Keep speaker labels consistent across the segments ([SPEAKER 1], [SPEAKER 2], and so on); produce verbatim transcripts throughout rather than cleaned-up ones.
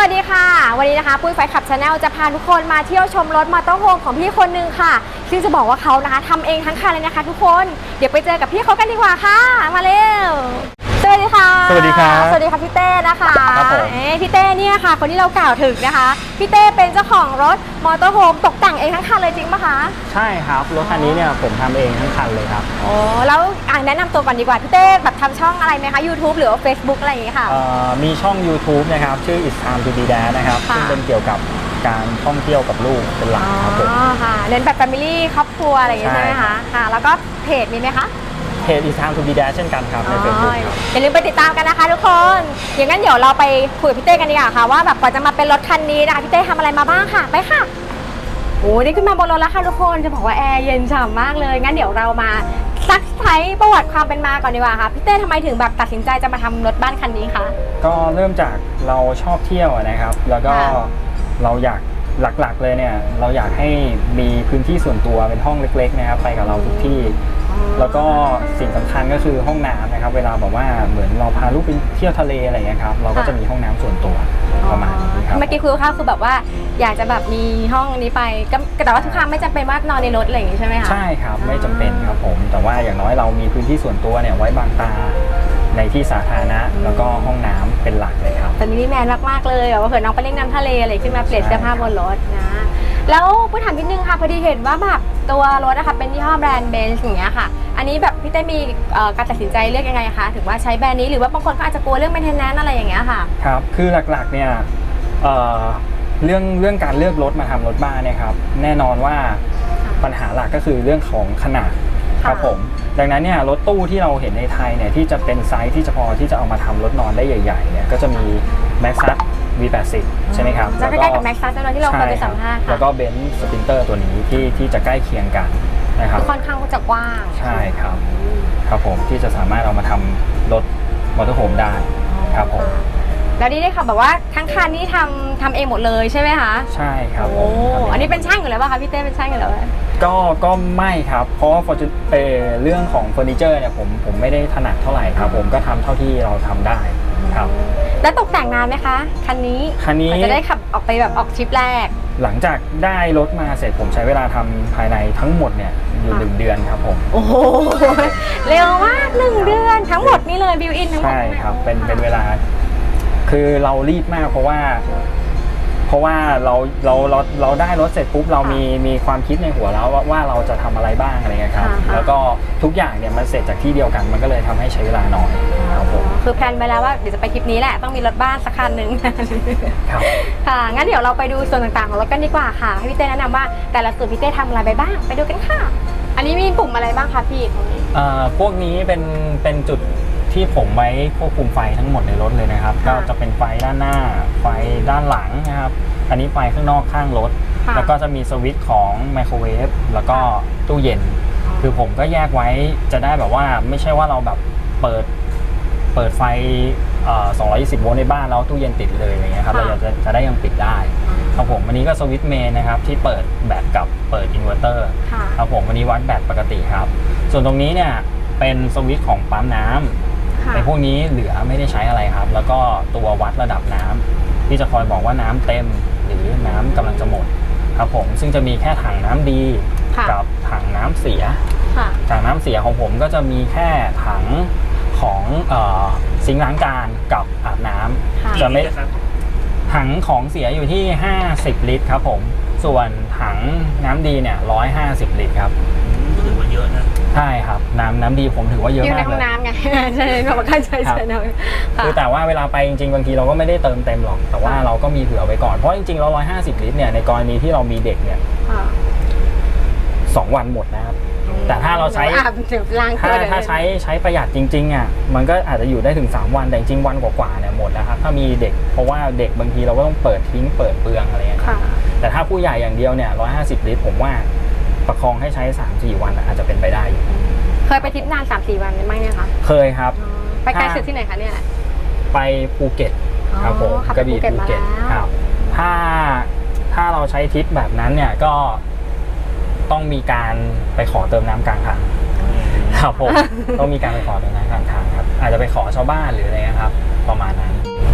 [SPEAKER 1] วัสดีค่ะวันนี้นะคะปุ้ยไฟขับชาแนลจะพาทุกคนมาเที่ยวชมรถมอเตอร์โฮมของพี่คนนึงค่ะซึ่งจะบอกว่าเขานะคะทำเองทั้งคันเลยนะคะทุกคนเดี๋ยวไปเจอกับพี่เขากันดีกว่าค่ะมาเร็วสวัสดีค่ะ
[SPEAKER 2] สวัสดีครับ
[SPEAKER 1] สวัสดีค่ะพี่เต้นะคะ
[SPEAKER 2] ครับผม
[SPEAKER 1] พี่เต้เนี่ยค่ะคนที่เรากล่าวถึงนะคะพี่เต้เป็นเจ้าของรถมอเตอร์โฮมตกแต่งเองทั้งคันเลยจริงปะคะ
[SPEAKER 2] ใช่ครับรถคันนี้เนี่ยผมทำเองทั้งคันเลยครับ
[SPEAKER 1] โอ้แล้วอ่านแนะนำตัวก่อนดีกว่าพี่เต้แบบทำช่องอะไรไหมคะ YouTube หรือว่า Facebook อะไรอย่างเงี้ยค่ะ
[SPEAKER 2] มีช่อง YouTube นะครับชื่อ It's Time to Be Dad นะครับซึ่งเป็นเกี่ยวกับการท่องเที่ยวกับลูกเป็นหลักครับผม
[SPEAKER 1] อ๋อค่ะเน้นแบบ Family ครอบครัวอะไรอย่างเงี้ยใช่ไหมคะค่ะแล้วก็เพจมีไหมคะ
[SPEAKER 2] เพจ It's Time to Be Dad เช่นกันครับใน Facebook ครับ
[SPEAKER 1] อย่าลืมไปติดตามกันนะคะทุกคนอย่างนั้นเดี๋ยวเราไปคุยกับพี่เต้กันดีกว่าค่ะว่าแบบกว่าจะมาเป็นรถคันนี้นะคะพี่เต้ทำอะไรมาบ้างค่ะไปค่ะโอ้นี่ขึ้นมาบนรถแล้วค่ะทุกคนจะบอกว่าแอร์เย็นฉ่ำมากเลยงั้นเดี๋ยวเรามาซักไซประวัติความเป็นมาก่อนดีกว่าค่ะพี่เต้ทำไมถึงแบบตัดสินใจจะมาทำรถบ้านคันนี้คะ
[SPEAKER 2] ก็เริ่มจากเราชอบเที่ยวนะครับแล้วก็เราอยากหลักๆเลยเนี่ยเราอยากให้มีพื้นที่ส่วนตัวเป็นห้องเล็กๆนะครับไปกับเราทุกที่แล้วก็สิ่งสำคัญก็คือห้องน้ำนะครับเวลาบอกว่าเหมือนเราพาลูกไปเที่ยวทะเลอะไรอย่างเงี้ยครับเราก็จะมีห้องน้ำส่วนตัวประมาณนี้ครับ
[SPEAKER 1] เมื่อกี้คุยกับข้าวคือแบบว่าอยากจะแบบมีห้องนี้ไปก็แต่ว่าทุกครั้งไม่จำเป็นว่านอนในรถอะไรอย่างงี้ใช่ไหมคะ
[SPEAKER 2] ใช่ครับไม่จำเป็นครับผมแต่ว่าอย่างน้อยเรามีพื้นที่ส่วนตัวเนี่ยไว้บังตาในที่สาธารณะแล้วก็ห้องน้ำเป็นหลักเลยครับ
[SPEAKER 1] แต่มินิแมนมากๆเลยแบบว่าเผื่อน้องไปเล่นน้ำทะเลอะไรขึ้นมาเปลี่ยนเสื้อผ้าบนรถนะแล้วพูดถามนิดนึงค่ะพอดีเห็นว่าแบบตัวรถนะคะเป็นยี่ห้อแบรนด์เบนซ์อย่างเงี้ยค่ะอันนี้แบบพี่เต้มีการตัดสินใจเลือกยังไงคะถึงว่าใช้แบรนด์นี้หรือว่าบางคนก็อาจจะกลัวเรื่อง maintenance อะไรอย่างเงี้ยค่ะ
[SPEAKER 2] ครับคือหลักๆเนี่ยเอ่อเรื่องเรื่องการเลือกรถมาทำรถบ้านเนี่ยครับแน่นอนว่าปัญหาหลักก็คือเรื่องของขนาดครับผมดังนั้นเนี่ยรถตู้ที่เราเห็นในไทยเนี่ยที่จะเป็นไซส์ที่จะพอที่จะเอามาทำรถนอนได้ใหญ่ๆเนี่ยก็จะมี Maxxus วี แปดสิบ ใช่ไหมครับ
[SPEAKER 1] จะใกล้ๆกับ Maxxus ที่เราเคยไปสัมภาษณ์ค่ะ
[SPEAKER 2] แล้วก็ Benz Sprinter ตัวนี้ที่ที่จะใกล้เคียงกันนะครับ
[SPEAKER 1] ค่อนข้างจะกว้าง
[SPEAKER 2] ใช่ครับครับผมที่จะสามารถเอามาทำรถมอเตอร์โฮมได้ครับผม
[SPEAKER 1] แล้วนี่ได้ค่ะแบบว่าทั้งคันนี้ทำทำเองหมดเลยใช่ไหมคะ
[SPEAKER 2] ใช่ครับ
[SPEAKER 1] โอ้อันนี้เป็นช่างอยู่แล้วป่ะคะพี่เต้เป็นช่างอยู่แล้ว
[SPEAKER 2] ก็ก็ไม่ครับเพราะว่าเรื่องของเฟอร์นิเจอร์เนี่ยผมผมไม่ได้ถนัดเท่าไหร่ครับผมก็ทำเท่าที่เราทำได้ครับ
[SPEAKER 1] แล้วตกแต่งนานไหมคะคันนี้
[SPEAKER 2] คันนี้
[SPEAKER 1] จะได้ขับออกไปแบบออกทริปแรก
[SPEAKER 2] หลังจากได้รถมาเสร็จผมใช้เวลาทำภายในทั้งหมดเนี่ยอยู่หนึ่งเดือนครับผม
[SPEAKER 1] โอ้โหเร็วมากหนึ่งเดือนทั้งหมดนี่เลยบิวอินทั้งหมด
[SPEAKER 2] ใช่ครับเป็นเป็นเวลาคือเรารีบมากเพราะว่าเพราะว่าเราเราเราเราได้รถเสร็จปุ๊บเรามีมีความคิดในหัวแล้วว่าว่าเราจะทำอะไรบ้างอะไรเงี้ยครับแล้วก็ทุกอย่างเนี่ยมันเสร็จจากที่เดียวกันมันก็เลยทำให้ใช้เวลาน้อยครับผม
[SPEAKER 1] คือแพลนไปแล้วว่าเดี๋ยวจะไปทริปนี้แหละต้องมีรถบ้านสักคันหนึ่ง
[SPEAKER 2] ครับ
[SPEAKER 1] ค่ะงั้นเดี๋ยวเราไปดูส่วนต่างๆของรถกันดีกว่าค่ะให้พี่เต้แนะนำว่าแต่ละส่วนพี่เต้ทำอะไรไปบ้างไปดูกันค่ะอันนี้มีปุ่มอะไรบ้างคะพี่ตรงนี้
[SPEAKER 2] เอ่อพวกนี้เป็นเป็นจุดที่ผมไว้ควบคุมไฟทั้งหมดในรถเลยนะครับก็จะเป็นไฟด้านหน้าไฟด้านหลังนะครับอันนี้ไฟข้างนอกข้างรถแล้วก็จะมีสวิตช์ของไมโครเวฟแล้วก็ตู้เย็นคือผมก็แยกไว้จะได้แบบว่าไม่ใช่ว่าเราแบบเปิดเปิดไฟสองร้อยยี่สิบโวลต์ในบ้านแล้วตู้เย็นติดเลยอะไรเงี้ยครับเราจะจะได้ยังปิดได้ครับผมอันนี้ก็สวิตช์เมนนะครับที่เปิดแบตกับเปิดอินเวอร์เตอร์ครับผมอันนี้วัดแบตปกติครับส่วนตรงนี้เนี่ยเป็นสวิตช์ของปั๊มน้ำในพวกนี้เหลือไม่ได้ใช้อะไรครับแล้วก็ตัววัดระดับน้ำที่จะคอยบอกว่าน้ำเต็มหรือน้ำกำลังจะหมดครับผมซึ่งจะมีแค่ถังน้ำดีกับถังน้ำเสียถังน้ำเสียของผมก็จะมีแค่ถังของซิงค์ล้างจานกับอาบน้ำจะไม่ถังของเสียอยู่ที่ห้าสิบลิตรครับผมส่วนถังน้ำดีเนี่ยหนึ่งร้อยห้าสิบลิตรครับ
[SPEAKER 3] ถือว่าเยอะนะ
[SPEAKER 2] ใช่ครับน้ำน้ำดีผมถือว่าเยอะมากเลย
[SPEAKER 1] อยู่ในห้องน้ำไงใช่แบบว่าใช่ใช่
[SPEAKER 2] คือแต่ว่าเวลาไปจริงๆบางทีเราก็ไม่ได้เติมเต็มหรอกแต่ว่าเราก็มีเผื่อไว้ก่อนเพราะจริงๆเราหนึ่งร้อยห้าสิบลิตรเนี่ยในกรณีที่เรามีเด็กเนี่ยสองวันหมดนะครับแต่ถ้าเราใช้ถ้าถ้าใช้ใช้ประหยัดจริงๆอ่ะมันก็อาจจะอยู่ได้ถึงสามวันแต่จริงๆวันกว่าๆเนี่ยหมดแล้วครับถ้ามีเด็กเพราะว่าเด็กบางทีเราก็ต้องเปิดทิ้งเปิดเปลืองอะไรอย่างเงี้ยแต่ถ้าผู้ใหญ่อย่างเดียวเนี่ยหนึ่งร้อยห้าสิบลิตรผมว่าประคองให้ใช้ สามถึงสี่ วันอาจจะเป็นไปได้อยู่
[SPEAKER 1] เคยไปทริปนาน สามถึงสี่ วันไหมเนี่ยคะ
[SPEAKER 2] เคยครับ
[SPEAKER 1] ไปไกลสุดที่ไหนคะเนี่ย
[SPEAKER 2] ไปภูเก็ตครับผมกระบี่ภูเก็ตครับถ้าถ้าเราใช้ทริปแบบนั้นเนี่ยก็ต้องมีการไปขอเติมน้ำกลางทางครับผมต้องมีการไปขอเติมน้ำกลางทางครับอาจจะไปขอชาวบ้านหรืออะไรนะครับประมาณนั้น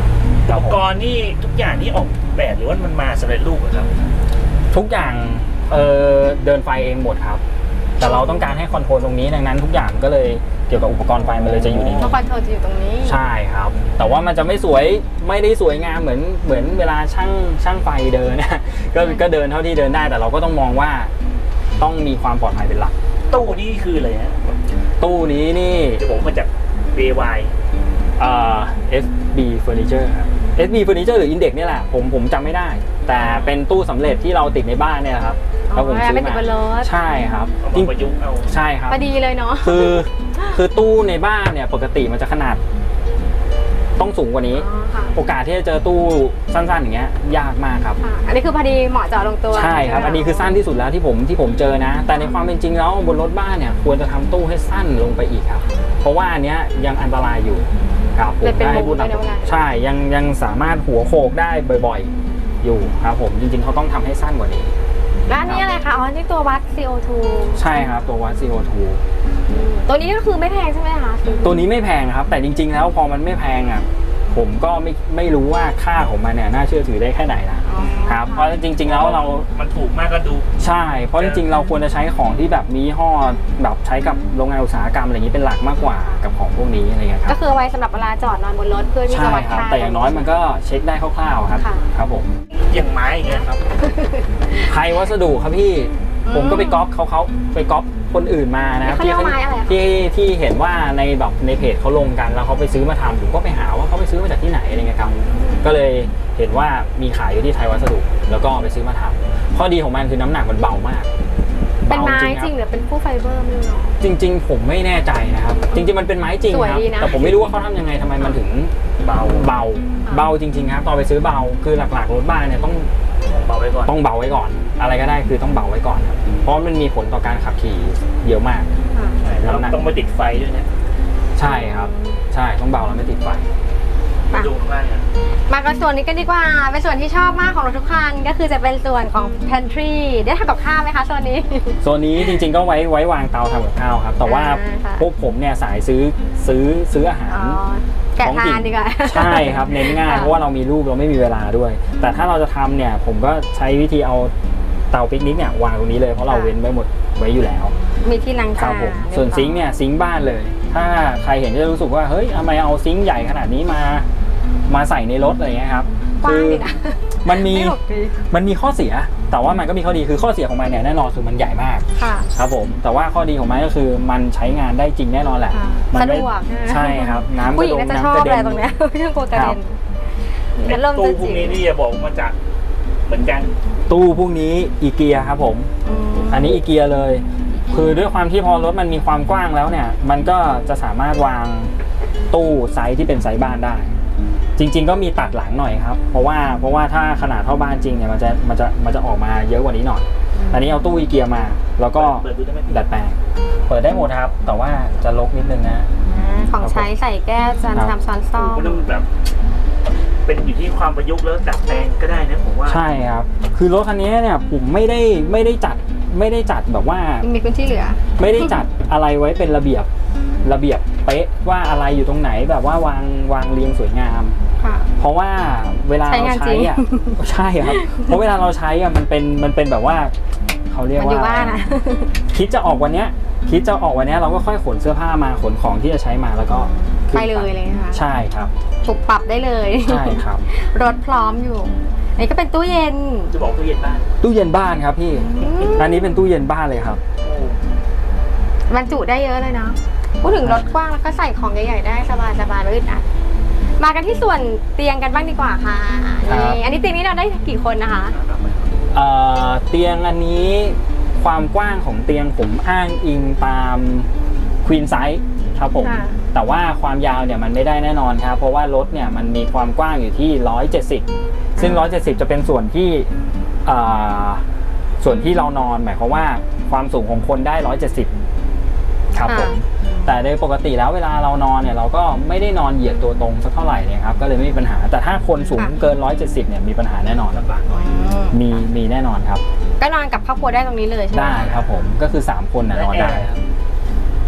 [SPEAKER 2] ครั
[SPEAKER 3] อุ
[SPEAKER 2] บ
[SPEAKER 3] ป
[SPEAKER 2] ผม
[SPEAKER 3] กรณ์นี่ทุกอย่างนี่ออกแบบหรือว่ามันมาสำเร็จรูปเหรอครับ
[SPEAKER 2] ทุกอย่างเอ่อเดินไฟเองหมดครับ แต่เราต้องการให้คอนโทรลตรงนี้ดังนั้นทุกอย่างก็เลยเกี่ยวกับอุปกรณ์ไฟมันเลยจะอยู่ใน
[SPEAKER 1] เพ
[SPEAKER 2] นี้
[SPEAKER 1] ราะคอนโทรลจะอยู่ตรงนี้
[SPEAKER 2] ใช่ครับ แต่ว่ามันจะไม่สวยไม่ได้สวยงามเหมือนเหมือนเวลาช่างช่างไฟเดินนะ ก็ก็เดินเท่าที่เดินได้แต่เราก็ต้องมองว่าต้องมีความปลอดภัยเป็นหลัก
[SPEAKER 3] ตู้นี่คืออะไรฮะ
[SPEAKER 2] ตู้นี้นี่
[SPEAKER 3] จะบอกมาจาก เบ วาย
[SPEAKER 2] เอ่อ เอส บี Furniture ครับ เอส บี Furniture หรือ Index เนี่ยแหละผมผมจำไม่ได้ แต่เป็นตู้สำเร็จที่เราติดในบ้านเนี่ยแหละครับ
[SPEAKER 1] อ๋อ
[SPEAKER 2] แล้วผมซื้อ
[SPEAKER 1] ไม่ติด
[SPEAKER 2] มา
[SPEAKER 1] บนรถ
[SPEAKER 2] ใช่ครับ
[SPEAKER 3] เอา
[SPEAKER 2] จริ
[SPEAKER 3] มาง ประยุกต์เอา
[SPEAKER 2] ใช่ครับ
[SPEAKER 1] พอดีเลยเนาะ
[SPEAKER 2] คือคือตู้ในบ้านเนี่ยปกติมันจะขนาดต้องสูงกว่านี้
[SPEAKER 1] อ๋อค่ะ
[SPEAKER 2] โอกาสที่จะเจอตู้สั้นๆอย่างเงี้ยยากมากครับ
[SPEAKER 1] ค่ะ อันนี้คือพอดีเหมาะเจาะลงตัว
[SPEAKER 2] ใช่ครับ อันนี้คือสั้นที่สุดแล้วที่ผมที่ผมเจอนะ แต่ในความเป็นจริงแล้วบนรถบ้านเนี่ยควรจะทำตู้ให้สั้นลงไปอีกครับ เพราะว่าอันเนี้ยยังอันตรายอยู่ครับผม
[SPEAKER 1] เลยเป็น
[SPEAKER 2] ได้
[SPEAKER 1] มุม
[SPEAKER 2] พูด
[SPEAKER 1] ด้วยนะว่า
[SPEAKER 2] ใช่ยังยังสามารถหัวโขกได้บ่อยๆ อยู่ครับผมจริงๆเขาต้องทำให้สั้นกว่านี้
[SPEAKER 1] แล้วอันนี้อะไรคะ อ๋อ นี่ตัววัด ซี โอ ทู
[SPEAKER 2] ใช่ครับตัววัด ซี โอ ทู
[SPEAKER 1] ตัวนี้ก็คือไม่แพงใช่ไหมคะ
[SPEAKER 2] ตัวนี้ไม่แพงครับ แต่จริงๆแล้วพอมันไม่แพงอ่ะผมก็ไม่ไม่รู้ว่าค่าของมันเนี่ยน่าเชื่อถือได้แค่ไหนนะ
[SPEAKER 1] อ๋อ
[SPEAKER 2] ครับเพราะจริงๆแล้วเรา
[SPEAKER 3] มันถูกมากก็ดู
[SPEAKER 2] ใช่ เพราะจริงๆ เราควรจะใช้ของที่แบบมียี่ห้อแบบใช้กับโรงงานอุตสาหกรรมอะไรอย่างนี้เป็นหลักมากกว่ากับของพวกนี้อะไรเงี้ยค
[SPEAKER 1] ก็
[SPEAKER 2] รับ
[SPEAKER 1] คือเอาไว้สำหรับเวลาจอดนอนบนรถเพื่อที่
[SPEAKER 2] ใช่
[SPEAKER 1] จะวัด
[SPEAKER 2] ครับ
[SPEAKER 1] ค่า
[SPEAKER 2] แต่อย่างน้อยมันก็เช็คได้คร่าวๆครับ
[SPEAKER 1] ค่ะ
[SPEAKER 2] ครับผม
[SPEAKER 3] อย่างไม้อย่างเงี้ยครับ
[SPEAKER 2] ไทยวัสดุครับพี่ผมก็ไปก๊อปเขาเขาไปก๊อปคนอื่นมานะครับ
[SPEAKER 1] เขาเรียกว่าไม้อะไรอะคะ
[SPEAKER 2] ที่ที่เห็นว่าในแบบในเพจเขาลงกันแล้วเขาไปซื้อมาทำผมก็ไปหาว่าเขาไปซื้อมาจากที่ไหนอะไรเงี้ยครับก็เลยเห็นว่ามีขายอยู่ที่ไทยวัสดุแล้วก็ไปซื้อมาทำข้อดีของมันคือน้ำหนักมันเบามาก
[SPEAKER 1] เป็นไม้
[SPEAKER 2] บา
[SPEAKER 1] จ
[SPEAKER 2] คบ
[SPEAKER 1] ริงหรือเป็นคู่ไฟเบอร์ไม่รู้เนาะ
[SPEAKER 2] จริงๆ ผมไม่แน่ใจนะครับ จริงๆ มันเป็นไม้จริง
[SPEAKER 1] สวย
[SPEAKER 2] ครับ
[SPEAKER 1] ดีนะ
[SPEAKER 2] แต่ผมไม่รู้ว่าเขาทำยังไงทำไมมันถึง
[SPEAKER 3] เบา
[SPEAKER 2] เบาเบาจริงๆครับตอนไปซื้อเบาคือหลักๆรถบ้านเนี่ยต้อง
[SPEAKER 3] เบาไว้ก่อน
[SPEAKER 2] ต้องเบาไว้ก่อน อะไรก็ได้คือต้องเบาไว้ก่อนครับเพราะมันมีผลต่อการขับขี่เยอะมาก
[SPEAKER 1] ค่ะ
[SPEAKER 3] ใช่แล้ว
[SPEAKER 2] น้ำหนัก
[SPEAKER 3] ต้องไปติดไฟด้วยนะ
[SPEAKER 2] ใช่ครับ ใช่ต้องเบาแล้วไม่ติดไฟ
[SPEAKER 1] อ่ะ
[SPEAKER 3] ดูมากนะ
[SPEAKER 1] มากันส่วนนี้กันดีกว่า เป็นส่วนที่ชอบมากของรถทุกคันก็คือจะเป็นส่วนของ pantry ได้ทำกับข้าวไหมคะส่วนนี้
[SPEAKER 2] โซนนี้จริงๆ ก็ไว้ไว้วางเตาทำกับข้าวครับ แต่ว่า
[SPEAKER 1] อ่าค่ะ
[SPEAKER 2] พวกผมเนี่ยสายซื้อซื้อซื้ออาหาร
[SPEAKER 1] อ๋อ แกะ
[SPEAKER 2] ของ
[SPEAKER 1] ทา
[SPEAKER 2] กิ
[SPEAKER 1] นดีกว่า
[SPEAKER 2] ใช่ครับเน้นง่าย
[SPEAKER 1] ค่ะ
[SPEAKER 2] เพราะว่าเรามีลูกเราไม่มีเวลาด้วย แต่ถ้าเราจะทำเนี่ยผมก็ใช้วิธีเอาเตาปิกนิกเนี่ยวางตรงนี้เลยเพราะเราเว้นไว้หมดไว้อยู่แล้ว
[SPEAKER 1] มีที่ล้าง
[SPEAKER 2] ครั
[SPEAKER 1] จา
[SPEAKER 2] บ
[SPEAKER 1] น
[SPEAKER 2] ผมส่วนซิงค์เนี่ยซิงค์บ้านเลย ถ้าใครเห็นจะรู้สึกว่าเฮ้ยทำไมเอาซิงค์ใหญ่ขนาดนี้มามาใส่ในรถอะไรเงี้ยครับ
[SPEAKER 1] กว้างดีนะ
[SPEAKER 2] มันมี
[SPEAKER 1] ไม่หกดี
[SPEAKER 2] มันมีข้อเสีย แต่ว่ามันก็มีข้อดีคือข้อเสียของมันเนี่ยแน่นอนคือมันใหญ่มาก
[SPEAKER 1] ค่ะ
[SPEAKER 2] ครับผมแต่ว่าข้อดีของมันก็คือมันใช้งานได้จริงแน่นอนแหละ
[SPEAKER 1] ค่ะ
[SPEAKER 2] มั
[SPEAKER 1] สะ
[SPEAKER 2] ไม่
[SPEAKER 1] ดวกนะ
[SPEAKER 2] ใช่ครับน้ำ
[SPEAKER 1] ผู้
[SPEAKER 2] ก
[SPEAKER 1] หญิ
[SPEAKER 2] ระ
[SPEAKER 1] ง
[SPEAKER 2] ดง
[SPEAKER 1] น่าจะชอ
[SPEAKER 2] น้ำก
[SPEAKER 1] บ
[SPEAKER 2] ระ
[SPEAKER 1] อะไร
[SPEAKER 2] เด็น
[SPEAKER 1] ตรงเนี้ย ไม่ต้องกลัวกระ
[SPEAKER 2] ครั
[SPEAKER 1] เด็
[SPEAKER 2] บ
[SPEAKER 1] นฉันเริ่ม
[SPEAKER 3] ตู้
[SPEAKER 1] จะ
[SPEAKER 3] พว
[SPEAKER 1] จิ๋
[SPEAKER 3] ก
[SPEAKER 1] ว
[SPEAKER 3] นี้นี่จะบอกมาจากเหมือนกัน
[SPEAKER 2] ตู้พวกนี้อีเกียครับผม
[SPEAKER 1] อืม
[SPEAKER 2] อันนี้อีเกียเลย คือด้วยความที่พอรถมันมีความกว้างแล้วเนี่ย มันก็จะสามารถวางตู้ไซส์ที่เป็นไซส์บ้านได้ จริง ๆ ก็มีตัดหลังหน่อยครับ เพราะว่าเพราะว่าถ้าขนาดเท่าบ้านจริงเนี่ยมันจะมันจะมันจะออกมาเยอะกว่านี้หน่อย อันนี้เอาตู้อีเกียมา แล้วก็
[SPEAKER 3] เปิดดูได้ไหม
[SPEAKER 2] ดัดแปลง เปิดได้หมดครับ แต่ว่าจะลกนิดนึงนะ
[SPEAKER 1] อ่าของใช้ใส่แก้วจาน
[SPEAKER 2] ครับ
[SPEAKER 1] ชามช้อนซ่อม
[SPEAKER 3] มันต้องแบบ เป็นอยู่ที่ความประยุกต์แล้วดัดแปลงก็ได้นะผมว่า
[SPEAKER 2] ใช่ครับ คือรถคันนี้เนี่ยผมไม่ได้ไม่ได้จัดไม่ได้จัดแบบว่า
[SPEAKER 1] มีพื้นที่เหลือ
[SPEAKER 2] ไม่ได้จัดอะไรไว้เป็นระเบียบระเบียบเป๊ะว่าอะไรอยู่ตรงไหนแบบว่าวางวางเรียงสวยงาม
[SPEAKER 1] ค่ะ
[SPEAKER 2] เพราะว่าเวลา
[SPEAKER 1] ใช้
[SPEAKER 2] เรา
[SPEAKER 1] งานจริ
[SPEAKER 2] ใช้
[SPEAKER 1] ง
[SPEAKER 2] อ่ะ ใช่ครับ เพราะเวลาเราใช้อ่ะมันเป็นมันเป็นแบบว่าเขาเรียก
[SPEAKER 1] มันอยู่
[SPEAKER 2] ว่า
[SPEAKER 1] บ้านอะ
[SPEAKER 2] คิดจะออกวันเนี้ยคิดจะออกวันเนี้ยเราก็ค่อยขนเสื้อผ้ามาขนของที่จะใช้มาแล้วก็ขึ้น
[SPEAKER 1] ไปเลยเลยนะคะ
[SPEAKER 2] ใช่ครับ
[SPEAKER 1] ถูกปรับได้เลย
[SPEAKER 2] ใช่ครับ
[SPEAKER 1] รถพร้อมอยู่ อันนี้ก็เป็นตู้เย็น
[SPEAKER 3] จะบอกตู้เย็นบ้าน
[SPEAKER 2] ตู้เย็นบ้านครับพี่
[SPEAKER 1] อืม
[SPEAKER 2] อันนี้เป็นตู้เย็นบ้านเลยครับ
[SPEAKER 3] โอ้
[SPEAKER 1] บรรจุได้เยอะเลยเนาะพูดถึงรถกว้างแล้วก็ใส่ของใหญ่ๆได้สบายสบายๆไม่อึดอัดมากันที่ส่วนเตียงกันบ้างดีกว่าค่ะ
[SPEAKER 2] ครับ
[SPEAKER 1] นี่อันนี้เตียงนี้เราได้กี่คนนะคะ
[SPEAKER 2] เอ่อเตียงอันนี้ความกว้างของเตียงผมอ้างอิงตามควีนไซส์ครับผม
[SPEAKER 1] ค่ะ
[SPEAKER 2] แต่ว่าความยาวเนี่ยมันไม่ได้แน่นอนครับ เพราะว่ารถเนี่ยมันมีความกว้างอยู่ที่หนึ่งร้อยเจ็ดสิบซึ่งหนึ่งร้อยเจ็ดสิบจะเป็นส่วนที่เอ่อส่วนที่เรานอนหมายความว่าความสูงของคนได้หนึ่งร้อยเจ็ดสิบครับผมแต่โดยปกติแล้วเวลาเรานอนเนี่ยเราก็ไม่ได้นอนเหยียดตัวตรงสักเท่าไหร่เนี่ยครับก็เลยไม่มีปัญหา แต่ถ้าคนสูงเกินหนึ่งร้อยเจ็ดสิบเนี่ยมีปัญหาแน่นอนลำบากหน่อย
[SPEAKER 1] อืม
[SPEAKER 2] มีมีแน่นอนครับ
[SPEAKER 1] ก็นอนกับครอบครัวได้ตรงนี้เลยใช่ไหม
[SPEAKER 2] ได้ครับผมก็คือสามคนนะนอนได้ครับ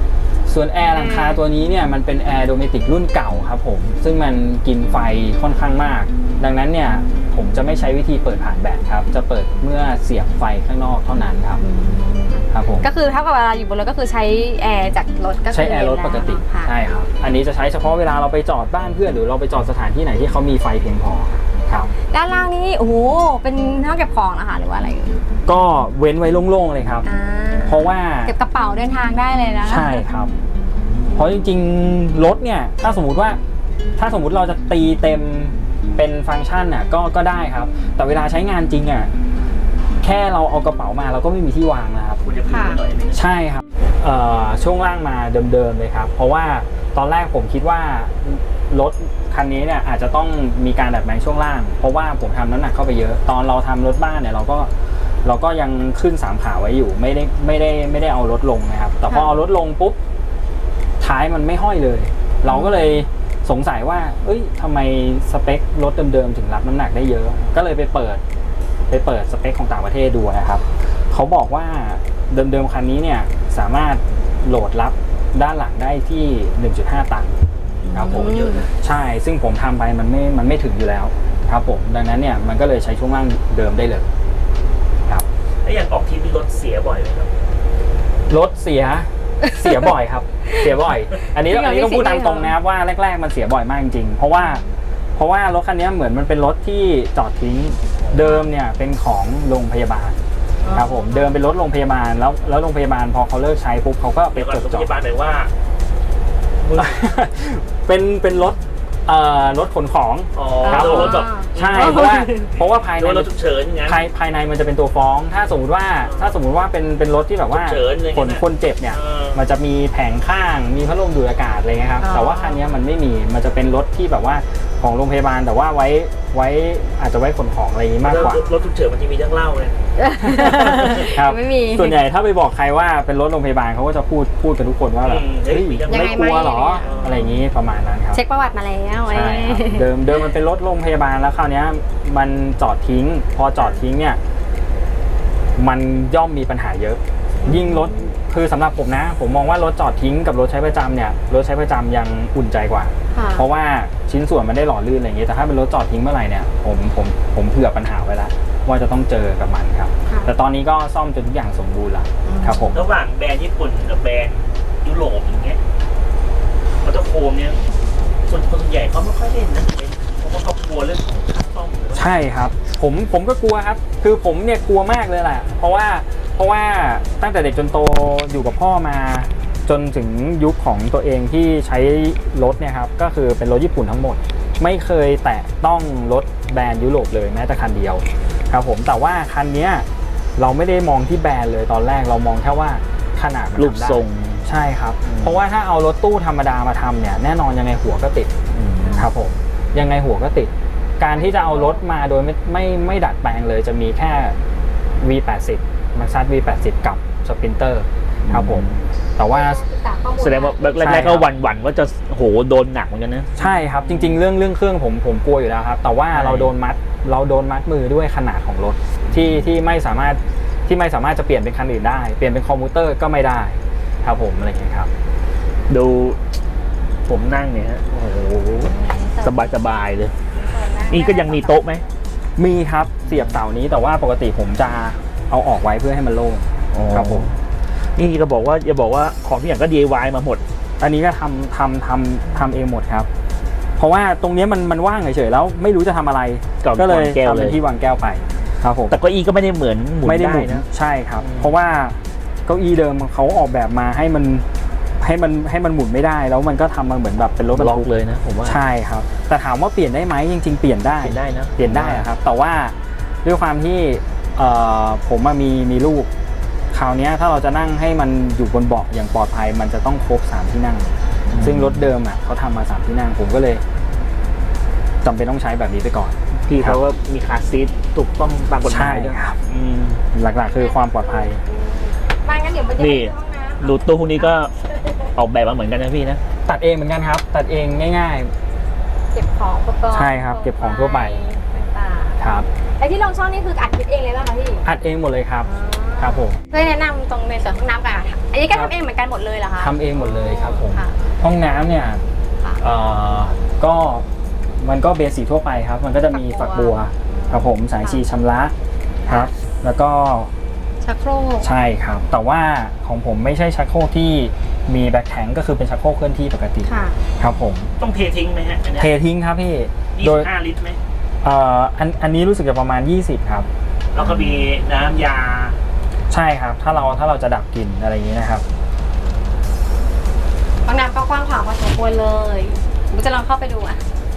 [SPEAKER 2] ส่วนแอร์หลังคาตัวนี้เนี่ยมันเป็นแอร์โดเมติกรุ่นเก่าครับผมซึ่งมันกินไฟค่อนข้างมากดังนั้นเนี่ยผมจะไม่ใช้วิธีเปิดผ่านแบตครับจะเปิดเมื่อเสียบไฟข้างนอกเท่านั้นครับครับผม
[SPEAKER 1] ก็คือเท่ากับเวลาอยู่บนรถก็คือใช้แอร์จากรถก็คื
[SPEAKER 2] ใช้แอร์รถปกติ
[SPEAKER 1] ค่ะ
[SPEAKER 2] ใช่ครับอันนี้จะใช้เฉพาะเวลาเราไปจอดบ้านเพื่อนหรือเราไปจอดสถานที่ไหนที่เขามีไฟเพียงพอครับ
[SPEAKER 1] ด้านล่างนี้โอ้โหเป็นห้องเก็บของนะคะหรือว่าอะไรเอ่ย
[SPEAKER 2] ก็เว้นไว้โล่งๆเลยครับ
[SPEAKER 1] อ่า
[SPEAKER 2] เพราะว่า
[SPEAKER 1] เก็บกระเป๋าเดินทางได้เลยนะ
[SPEAKER 2] ใช่ครับ เพราะจริงๆรถเนี่ยถ้าสมมุติว่าถ้าสมมุติเราจะตีเต็มเป็นฟังก์ชันน่ะก็ก็ได้ครับ แต่เวลาใช้งานจริงอ่ะแค่เราเอากระเป๋ามาเราก็ไม่มีที่วางนะครับ
[SPEAKER 3] คุณจะพูดหน่อยไหม
[SPEAKER 2] ใช่ครับเอ่อช่วงล่างมาเดิมๆเลยครับเพราะว่าตอนแรกผมคิดว่ารถคันนี้เนี่ยอาจจะต้องมีการดัดแปลงช่วงล่าง เพราะว่าผมทำน้ำหนักเข้าไปเยอะตอนเราทำรถบ้านเนี่ยเราก็เราก็ยังขึ้นสามขาไว้อยู่ไม่ได้ไม่ได้ไม่ได้เอารถลงนะครับแต่พอเอารถลงปุ๊บท้ายมันไม่ห้อยเลย เราก็เลยสงสัยว่าเอ้ยทำไมสเปครถเดิมๆถึงรับน้ำหนักได้เยอะก็เลยไปเปิดไปเปิดสเปคของต่างประเทศดูนะครับเขาบอกว่าเดิมๆคันนี้เนี่ยสามารถโหลดรับด้านหลังได้ที่ หนึ่งจุดห้า ตันครับผม
[SPEAKER 3] เยอะนะ
[SPEAKER 2] ใช่ซึ่งผมทำไปมันไม่มันไม่ถึงอยู่แล้วครับผมดังนั้นเนี่ยมันก็เลยใช้ช่วงล่างเดิมได้เลยครับ
[SPEAKER 3] แล้วอย่างออกทริปมีรถเสียบ่อยไหมครับ
[SPEAKER 2] รถเสียเสียบ่อยครับ เสียบ่อย อันนี้อันนี้ต้องพูดตามตรงนะครับว่าแรกๆมันเสียบ่อยมากจริงๆเพราะว่าเพราะว่ารถคันนี้เหมือนมันเป็นรถที่จอดทิ้งเดิมเนี่ยเป็นของโรงพยาบาลครับผมเดิมเป็นรถโรงพยาบาลแล้วแล้วโรงพยาบาลพอเขาเลิกใช้ปุ๊บเขาก็ไป
[SPEAKER 3] เดี๋ยวก่อน
[SPEAKER 2] จด
[SPEAKER 3] โรง
[SPEAKER 2] จ
[SPEAKER 3] พ
[SPEAKER 2] อด
[SPEAKER 3] ยาบาลหน่อยว่ามึง
[SPEAKER 2] เป็นเป็นรถเอ่อรถขนของ
[SPEAKER 3] อ๋อ
[SPEAKER 2] ครับผม
[SPEAKER 3] รถแบบ
[SPEAKER 2] ใช่เพราะว่าเพราะว่าภายใน
[SPEAKER 3] รถฉุกเฉินอย่างนั้น
[SPEAKER 2] ภายภายในมันจะเป็นตัวฟ้อง ถ้าสมมติว่าถ้าสมมติว่าเป็นเป็นรถที่แบบว่า
[SPEAKER 3] ฉุกเฉินอะไรเงี้ย
[SPEAKER 2] คนคนเจ็บเนี่ย
[SPEAKER 3] เออ
[SPEAKER 2] มันจะมีแผงข้างมีพัดลมดูดอากาศอะไรเงี้ยครับ
[SPEAKER 1] อ๋อ
[SPEAKER 2] แต่ว่าคันนี้มันไม่มีมันจะเป็นรถที่แบบว่าของโรงพยาบาลแต่ว่าไว้ไว้อาจจะไว้ขนของอะไรอย่างนี้มากกว่า
[SPEAKER 3] รถรถฉุกเฉินมันจะมีเรื่องเล่าเลย
[SPEAKER 2] ครับ
[SPEAKER 1] ไม่มี
[SPEAKER 2] ส่วนใหญ่ถ้าไปบอกใครว่าเป็นรถโรงพยาบาลเขาก็จะพูดพูดกันทุกคนว่าแบบ
[SPEAKER 3] อืมเฮ้
[SPEAKER 2] เฮ้
[SPEAKER 3] ย
[SPEAKER 2] ย
[SPEAKER 3] ยัง
[SPEAKER 2] ไม่กลัวเหรอ
[SPEAKER 1] ยังไงไหม
[SPEAKER 2] อะไรอย่างนี้ประมาณนั้นครับ
[SPEAKER 1] เช็คประวัติมาแล้ว
[SPEAKER 2] ใช่ครับเดิมเดิมมันเป็นรถโรงพยาบาลแล้วคราวนี้มันจอดทิ้ง พอจอดทิ้งเนี่ยมันย่อมมีปัญหาเยอะ ยิ่งรถคือสำหรับผมนะ ผมมองว่ารถจอดทิ้งกับรถใช้ประจำเนี่ยรถใช้ประจำยังอุ่นใจกว่า
[SPEAKER 1] ค่ะ
[SPEAKER 2] เพราะว่าชิ้นส่วนมันได้หล่อลื่นอะไรอย่างเงี้ยแต่ถ้าเป็นรถจอดทิ้งเมื่อไหร่เนี่ยผมผมผมเผื่อปัญหาไว้แล้วว่าจะต้องเจอกับมันครับ
[SPEAKER 1] ค่ะ
[SPEAKER 2] แต่ตอนนี้ก็ซ่อมจนทุกอย่างสมบูรณ์แล้วครับผม
[SPEAKER 3] ระหว่างแบรนด์ญี่ปุ่นกับแบรนด์ยุโรปอย่างเงี้ยมอเตอร์โคมเนี่ยคนคนส่วนใหญ่เขาไม่ค่อยเล่นนะเป็นเพราะว่าเขากลัวเรื่องของค่าซ่อมหรือว่า
[SPEAKER 2] ใช่ครับผมผมก็กลัวครับคือผมเนี่ยกลัวมากเลยแหละเพราะว่าเพราะว่าตั้งแต่เด็กจนโตอยู่กับพ่อมาจนถึงยุคของตัวเองที่ใช้รถเนี่ยครับก็คือเป็นรถญี่ปุ่นทั้งหมด ไม่เคยแตะต้องรถแบรนด์ยุโรปเลยแม้แต่คันเดียวครับผมแต่ว่าคันเนี้ยเราไม่ได้มองที่แบรนด์เลยตอนแรกเรามองแค่ว่าขนาดมัน
[SPEAKER 3] รูป
[SPEAKER 2] ทำได้
[SPEAKER 3] ทรง
[SPEAKER 2] ใช่ครับเพราะว่าถ้าเอารถตู้ธรรมดามาทำเนี่ยแน่นอนยังไงหัวก็ติดครับผมยังไงหัวก็ติด การที่จะเอารถมาโดยไม่ไม่ไม่ดัดแปลงเลยจะมีแค่ วี แปดสิบ Maxxis วี แปดสิบ กับ Sprinter ครับผมแต่ว่า
[SPEAKER 3] แสดงว่าแรกๆก็หวั่นๆว่าจะโหโดนหนักเหมือนกันนะ
[SPEAKER 2] ใช่ครับจริงๆเรื่องเรื่องเครื่องผมผมกลัวอยู่แล้วครับแต่ว่า
[SPEAKER 3] ใช่
[SPEAKER 2] เราโดนมัดเราโดนมัดมือด้วยขนาดของรถที่ที่ไม่สามารถที่ไม่สามารถจะเปลี่ยนเป็นคันอื่นได้เปลี่ยนเป็นคอมพิวเตอร์ก็ไม่ได้ครับผมอะไรอย่างเงี้ยครับ
[SPEAKER 3] ดูผมนั่งเนี่ยฮะโอ้โหสบายๆเลย นี่ก็ยังมีโต๊ะไหม
[SPEAKER 2] มีครับเสียบเสานี้แต่ว่าปกติผมจะเอาออกไว้เพื่อให้มันโล่งครับผม
[SPEAKER 3] นี่ก็บอกว่าอย่าบอกว่าของทุกอย่างก็ ดี ไอ วาย มาหมด
[SPEAKER 2] อันนี้ก็ทำทำทำทำเองหมดครับ เพราะว่าตรงนี้มันมันว่างเฉยๆแล้วไม่รู้จะทำอะไร ก็เลย
[SPEAKER 3] วางแก้ว
[SPEAKER 2] ทำ
[SPEAKER 3] เล
[SPEAKER 2] เป็น
[SPEAKER 3] ย
[SPEAKER 2] ที่วางแก้วไปครับผม
[SPEAKER 3] แต่เก็อีก็ไม่ได้เหมือนหมุน
[SPEAKER 2] ไม่ได้
[SPEAKER 3] ได้
[SPEAKER 2] หมุน
[SPEAKER 3] นะ
[SPEAKER 2] ใช่ครับ
[SPEAKER 3] อืม
[SPEAKER 2] เพราะว่าเก้าอี้เดิมเขาออกแบบมาให้มันให้มันให้มันหมุนไม่ได้ แล้วมันก็ทำมาเหมือนแบบเป็นรถบรร
[SPEAKER 3] ล็อก
[SPEAKER 2] ทุก
[SPEAKER 3] เลยนะผมว่า
[SPEAKER 2] ใช่ครับ แต่ถามว่าเปลี่ยนได้ไหมจริง ๆ เปลี่ยนได้
[SPEAKER 3] เปลี่ยนได้นะ
[SPEAKER 2] เปลี่ยนได้อะครับ แต่ว่าด้วยความที่เอ่อผมอะมีมีลูกคราวเนี้ยถ้าเราจะนั่งให้มันอยู่บนเบาะอย่างปลอดภัย มันจะต้องครบสามที่นั่ง ซึ่งรถเดิมอ่ะเขาทำมาสามที่นั่งผมก็เลยจำเป็นต้องใช้แบบนี้ไปก่อน
[SPEAKER 3] พี่เขาว่ามีคาร์ซีทถูกต้องตามกฎหมายด้วย
[SPEAKER 2] ใช่ครับ
[SPEAKER 3] อืม
[SPEAKER 2] หลักๆคือความปลอดภัย
[SPEAKER 1] มางั้นเดี๋ยวไปเจอ
[SPEAKER 3] นี่
[SPEAKER 1] ที่ห้องน้ำ
[SPEAKER 3] ดูตู้พวกนี้ก็ออกแบบมาเหมือนกันนะพี่นะ
[SPEAKER 2] ตัดเองเหมือนกันครับ ตัดเองง่าย
[SPEAKER 1] เก็บของอุปกรณ์
[SPEAKER 2] ใช่ครับเก็บของทั่วไป
[SPEAKER 1] ต่าง
[SPEAKER 2] ๆครับ
[SPEAKER 1] ๆไอ้ที่ลงช่องนี่คืออัดคลิปเองเลยป่ะคะพี่
[SPEAKER 2] อัดเองหมดเลยครับ
[SPEAKER 1] อ๋อ
[SPEAKER 2] ครับผม
[SPEAKER 1] ช่วยแนะนำตรงในส่วนห้องน้ำกันค่ะอันนี้ก็ทำเองเหมือนกันหมดเลยเหรอคะ
[SPEAKER 2] ทำเองหมดเลยครับผม
[SPEAKER 1] ค่ะ
[SPEAKER 2] ห้องน้ำเนี่ย
[SPEAKER 1] ค่ะ
[SPEAKER 2] เอ่อก็มันก็เบสิกทั่วไปครับ มันก็จะมี
[SPEAKER 1] ฝั
[SPEAKER 2] ฝัก
[SPEAKER 1] กบั
[SPEAKER 2] บัว
[SPEAKER 1] ว
[SPEAKER 2] ครับผมสาย
[SPEAKER 1] ค่ะ
[SPEAKER 2] ชีชำระครับ แล้วก็
[SPEAKER 1] ชักโครก
[SPEAKER 2] ใช่ครับ แต่ว่าของผมไม่ใช่ชักโครกที่มีแบ็คแทงก็คือเป็นชักโครกเคลื่อนที่ปกติ
[SPEAKER 1] ค่ะ
[SPEAKER 2] ครับผม
[SPEAKER 3] ต้องเททิ้งไหมฮะอันเนี้ย
[SPEAKER 2] เททิ้งครับพี่
[SPEAKER 3] ยี่
[SPEAKER 2] โด
[SPEAKER 3] สิ
[SPEAKER 2] ย
[SPEAKER 3] บห้าลิตรไหม
[SPEAKER 2] เอ่ออันอันนี้รู้สึกจะประมาณยี่สิบครับ
[SPEAKER 3] แล้วก็มีน้ำยา
[SPEAKER 2] ใช่ครับ ถ้าเราถ้าเราจะดับกลิ่นอะไรอย่างนี้นะครับ
[SPEAKER 1] ห้องน้ำก็กว้างขวางพอสมควรเลยผมจะลองเข้าไปดูอ่ะ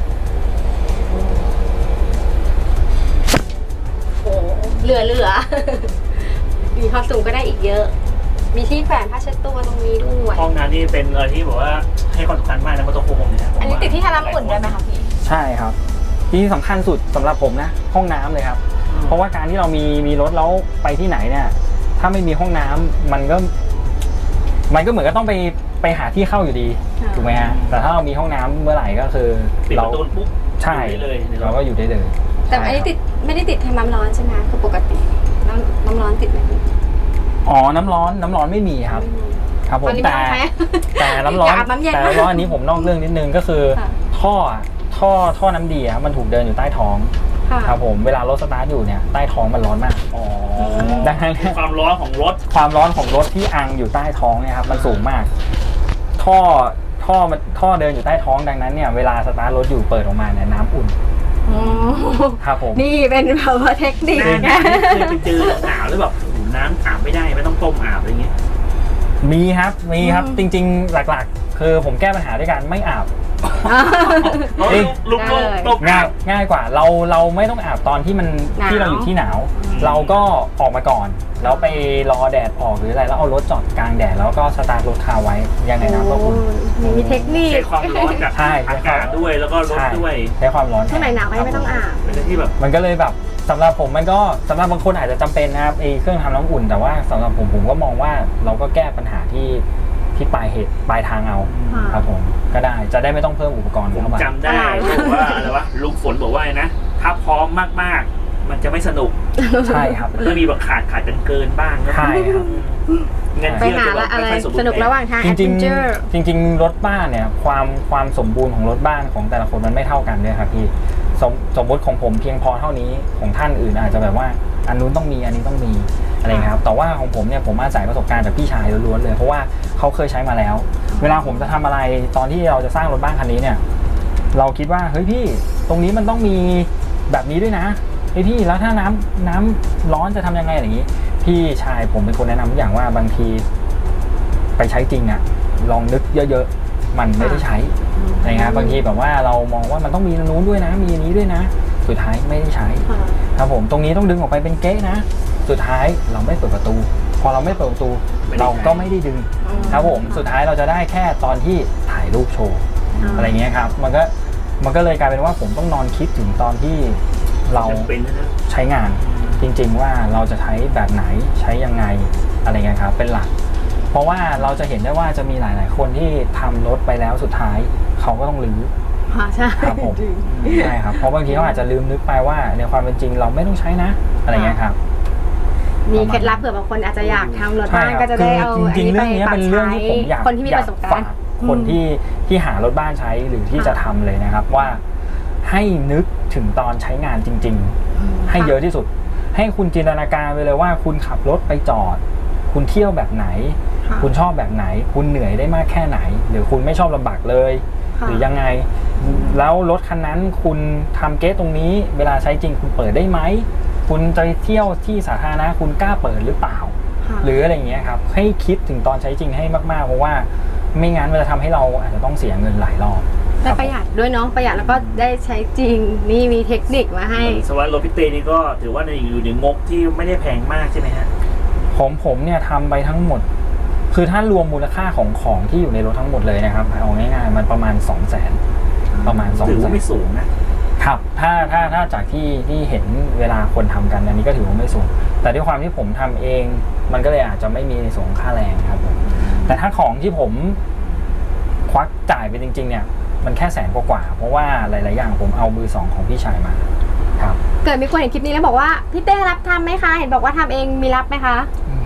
[SPEAKER 1] โอ้เหลือเหลือ มีความสูงก็ได้อีกเยอะ มีที่แขวนผ้าเช็ดตัวตรงนี้ด้วย
[SPEAKER 3] ห้องน้ำนี่เป็นอะไรที่แบบว่าให้ความสำคัญมากนะมอเตอร์โฟมเนี่ยนะผม
[SPEAKER 1] อันนี้
[SPEAKER 3] ว่า
[SPEAKER 1] ติดที่ทาน้ำอุ่นได้ไหมคะพี่
[SPEAKER 2] ใช่ครับที่สำคัญสุดสำหรับผมนะห้องน้ำเลยครับ
[SPEAKER 3] อืม
[SPEAKER 2] เพราะว่าการที่เรามีมีรถแล้วไปที่ไหนเนี่ย ถ้าไม่มีห้องน้ำมันก็ มันก็เหมือนก็ต้องไปไปหาที่เข้าอยู่ดี
[SPEAKER 1] ค่ะ
[SPEAKER 2] ถูกไหมฮะแต่ถ้าเรามีห้องน้ำเมื่อไหร่ก็คือ
[SPEAKER 3] ปิดป
[SPEAKER 2] เรา
[SPEAKER 3] ระตูปุ๊บ
[SPEAKER 2] ใช่
[SPEAKER 3] อยู่ได้เลยในร
[SPEAKER 2] เรา
[SPEAKER 3] ถ
[SPEAKER 2] ก็อยู่ได้เลย
[SPEAKER 1] แต่อันนี้ติดไม่ได้ติดทำน้ำร้อนใช่ไหมคือปกติน้ำน้ำร้อนติดไหมพี่
[SPEAKER 2] อ๋อน้ำร้อนน้ำร้อนไม่มีครับ
[SPEAKER 1] ไม่มี
[SPEAKER 2] ครับผม
[SPEAKER 1] ตอนนี้
[SPEAKER 2] แต่
[SPEAKER 1] ไม่ต้องใช้
[SPEAKER 2] แต่น้ำร้อน
[SPEAKER 1] อยากอาบน้ำเย็น
[SPEAKER 2] แต่น้ำร้อนอันนี้ผมนอกเรื่องนิดนึงก็คือ
[SPEAKER 1] ค่ะ
[SPEAKER 2] ท่ออะท่อท่อน้ำดีอะมันถูกเดินอยู่ใต้ท้อง
[SPEAKER 1] ค่ะ
[SPEAKER 2] ครับผมเวลารถสตาร์ทอยู่เนี่ยใต้ท้องมันร้อนมาก
[SPEAKER 3] อ๋อ
[SPEAKER 2] ดังนั้น
[SPEAKER 3] ความร้อนของรถ
[SPEAKER 2] ความร้อนของรถที่อังอยู่ใต้ท้องเนี่ยครับมันสูงมาก ท่อท่อมันท่อเดินอยู่ใต้ท้องดังนั้นเนี่ยเวลาสตาร์ทรถอยู่เปิดออกมาเนี่ยน้ำอุ่น
[SPEAKER 1] อ๋อ
[SPEAKER 2] ครับผม
[SPEAKER 1] นี่เป็นแบบว่าเทคนิค
[SPEAKER 3] หน้าห
[SPEAKER 1] ไง
[SPEAKER 3] นาวนี่เคยไปเจอหนาวแล้วแบบโอ้โหน้ำอาบไม่ได้ไม่ต้องต้มอาบอะไรเงี้ย
[SPEAKER 2] มีครับมีครับ
[SPEAKER 1] อืม
[SPEAKER 2] จริงๆหลักๆ คือผมแก้ปัญหาด้วยการไม่อาบ
[SPEAKER 3] เอา
[SPEAKER 2] เอ้ย
[SPEAKER 3] ลูก
[SPEAKER 1] ได้
[SPEAKER 3] ลูก
[SPEAKER 1] เลย
[SPEAKER 3] ต้มอา
[SPEAKER 2] ง่าย
[SPEAKER 3] บ
[SPEAKER 2] ง่ายกว่าเราเราไม่ต้องอาบตอนที่มัน
[SPEAKER 1] หนาว
[SPEAKER 2] ที่เราอยู่ที่หนาว
[SPEAKER 3] อืม
[SPEAKER 2] เราก็ออกมาก่อน แล้วไปรอแดดออกหรืออะไรแล้วเอารถจอดกลางแดดแล้วก็สตาร์ทรถคาไว้ยังไงน้ำก็อุ่น
[SPEAKER 1] โอ้มีเทคนิค
[SPEAKER 3] ใช้ความร้อนจาก
[SPEAKER 2] ใช่
[SPEAKER 3] อากาศด้วยแล้วก็รถ
[SPEAKER 2] ใช่
[SPEAKER 3] ด้วย
[SPEAKER 2] ใช้ความร้อน
[SPEAKER 1] ช่วงไหนหนาวก็ไม่ต้องอาบ
[SPEAKER 3] เป็นอะไรที่แบบ
[SPEAKER 2] มันก็เลยแบบสำหรับผมมันก็สำหรับบางคนอาจจะจำเป็นนะครับไอ้เครื่องทำน้ำอุ่น แต่ว่าสำหรับผมผมก็มองว่าเราก็แก้ปัญหาที่ที่ปลายเหตุปลายทางเอา
[SPEAKER 1] ค่ะ
[SPEAKER 2] ครับผมก็ได้จะได้ไม่ต้องเพิ่มอุปกรณ์
[SPEAKER 3] ผม
[SPEAKER 2] เข้ามา
[SPEAKER 3] จำได้
[SPEAKER 1] อ่า
[SPEAKER 3] บอกว่าอะไรวะลุงฝนบอกว่าไงนะถ้าพร้อมมากๆ มันจะไม่สนุก
[SPEAKER 2] ใช่ครับ
[SPEAKER 3] มันก็มีแบบขาดขาดกันเกินบ้างนะ
[SPEAKER 2] ใช่ครับ
[SPEAKER 3] เงิน
[SPEAKER 1] ไป
[SPEAKER 3] เที่ยว
[SPEAKER 1] หา
[SPEAKER 3] จะแบ
[SPEAKER 1] ละ
[SPEAKER 3] บ
[SPEAKER 1] อะไร
[SPEAKER 3] ไม่ค่อยสมบู
[SPEAKER 1] ส
[SPEAKER 3] ร
[SPEAKER 1] นุก
[SPEAKER 3] ณ์
[SPEAKER 1] ระหว่างทาง
[SPEAKER 2] จ
[SPEAKER 1] แอด
[SPEAKER 2] ริง
[SPEAKER 1] เวนเจอร์
[SPEAKER 2] ๆจริง ๆ รถบ้านเนี่ยความความสมบูรณ์ของรถบ้านของแต่ละคนมันไม่เท่ากันด้วยครับพี่สมสมมติของผมเพียงพอเท่านี้ของท่านอื่นอาจจะแบบว่าอันนู้นต้องมีอันนี้ต้องมีอะไรเงี้ยครับแต่ว่าของผมเนี่ยผมอาศัยประสบการณ์จากพี่ชายล้วนๆเลยเพราะว่าเขาเคยใช้มาแล้ว เวลาผมจะทำอะไรตอนที่เราจะสร้างรถบ้านคันนี้เนี่ยเราคิดว่าเฮ้ยพี่ตรงนี้มันต้องมีแบบนี้ด้วยนะเฮ้ยพี่แล้วถ้าน้ำน้ำร้อนจะทำยังไงอย่างนี้ พี่ชายผมเป็นคนแนะนำทุกอย่างว่าบางทีไปใช้จริงอะลองนึกเยอะๆมันไม่ได้ใช้นะครับบางทีแบบว่าเรามองว่ามันต้องมีนู้นด้วยนะมีนี้ด้วยนะ สุดท้ายไม่ได้ใช้
[SPEAKER 1] ค่ะ
[SPEAKER 2] ครับผมตรงนี้ต้องดึงออกไปเป็นเก๊ะนะ สุดท้ายเราไม่เปิดประตู พอเราไม่เปิดประตูเราก็ไม่ได้ดึงครับผมสุดท้ายเราจะได้แค่ตอนที่ถ่ายรูปโชว์อะไรเงี้ยครับมันก็มันก็เลยกลายเป็นว่าผมต้องนอนคิดถึงตอนที่เรา
[SPEAKER 3] จำเป็นนะ
[SPEAKER 2] ใช้งานจริงๆว่าเราจะใช้แบบไหนใช้ยังไงอะไรเงี้ยครับเป็นหลัก เพราะว่าเราจะเห็นได้ว่าจะมีหลายๆคนที่ทำรถไปแล้วสุดท้ายเขาก็ต้องรื้อ
[SPEAKER 1] ค่ะใช่
[SPEAKER 2] ครับผมใช่ครับเพราะบางทีเขาอาจจะลืมนึกไปว่าในความเป็นจริงเราไม่ต้องใช้นะอะไรเงี้ยครับ
[SPEAKER 1] มีเคล็ดลับเผื่อบางคนอาจจะอยากทำรถ
[SPEAKER 2] ใช่
[SPEAKER 1] บ้าน
[SPEAKER 2] ครับ
[SPEAKER 1] ก็จะได้เอา
[SPEAKER 2] คือจริงๆ
[SPEAKER 1] อั
[SPEAKER 2] เรื่องนี้
[SPEAKER 1] ไป
[SPEAKER 2] เป็นเรื่องที่ผมอยาก
[SPEAKER 1] คนที่มีประสบการณ์
[SPEAKER 2] อยฝคนที่ที่หารถบ้านใช้หรือที่จะทำเลยนะครับว่าให้นึกถึงตอนใช้งานจริง ๆ ให้เยอะที่สุด ให้คุณจินตนาการไปเลยว่าคุณขับรถไปจอด คุณเที่ยวแบบไหน
[SPEAKER 1] ค่ะ
[SPEAKER 2] คุณชอบแบบไหน คุณเหนื่อยได้มากแค่ไหน หรือคุณไม่ชอบลำบากเลย
[SPEAKER 1] ค่ะ
[SPEAKER 2] หรือยังไง แล้วรถคันนั้นคุณทำเกตตรงนี้ เวลาใช้จริงคุณเปิดได้ไหมคุณจะเที่ยวที่สาธารณะคุณกล้าเปิดหรือเปล่า
[SPEAKER 1] ค่ะ
[SPEAKER 2] หรืออะไรอย่างเงี้ยครับให้คิดถึงตอนใช้จริงให้มากๆเพราะว่าไม่งั้นมันจะทำให้เราอาจจะต้องเสียเงินหลายรอบ
[SPEAKER 1] ได้ประหยัดด้วยเนาะประหยัดแล้วก็ได้ใช้จริงนี่มีเทคนิคมาให้
[SPEAKER 3] สวัสดิ์รถพิเตนี่ก็ถือว่าในอยู่ในงบที่ไม่ได้แพงมากใช่ไหมฮะ
[SPEAKER 2] ผมผมเนี่ยทำไปทั้งหมด คือถ้ารวมมูลค่าของของที่อยู่ในรถทั้งหมดเลยนะครับเอาง่ายๆมันประมาณ สองแสน ประมาณ สอง
[SPEAKER 3] ถือ
[SPEAKER 2] แส
[SPEAKER 3] ว่าน ไม่สูงนะครับ
[SPEAKER 2] ถ้าถ้าถ้าจากที่ที่เห็นเวลาคนทำกันอันนี้ก็ถือว่าไม่สูงแต่ด้วยความที่ผมทำเอง มันก็เลยอาจจะไม่มีในส่วนของค่าแรงครับผมแต่ถ้าของที่ผมควักจ่ายไปจริงๆเนี่ยมันแค่แสนกว่าๆเพราะว่าหลายๆอย่างผมเอามือสองของพี่ชายมาครับ
[SPEAKER 1] เกิดมีคนเห็นคลิปนี้แล้วบอกว่าพี่เต้รับทำไหมคะเห็นบอกว่าทำเองมีรับไหมคะ
[SPEAKER 2] อืม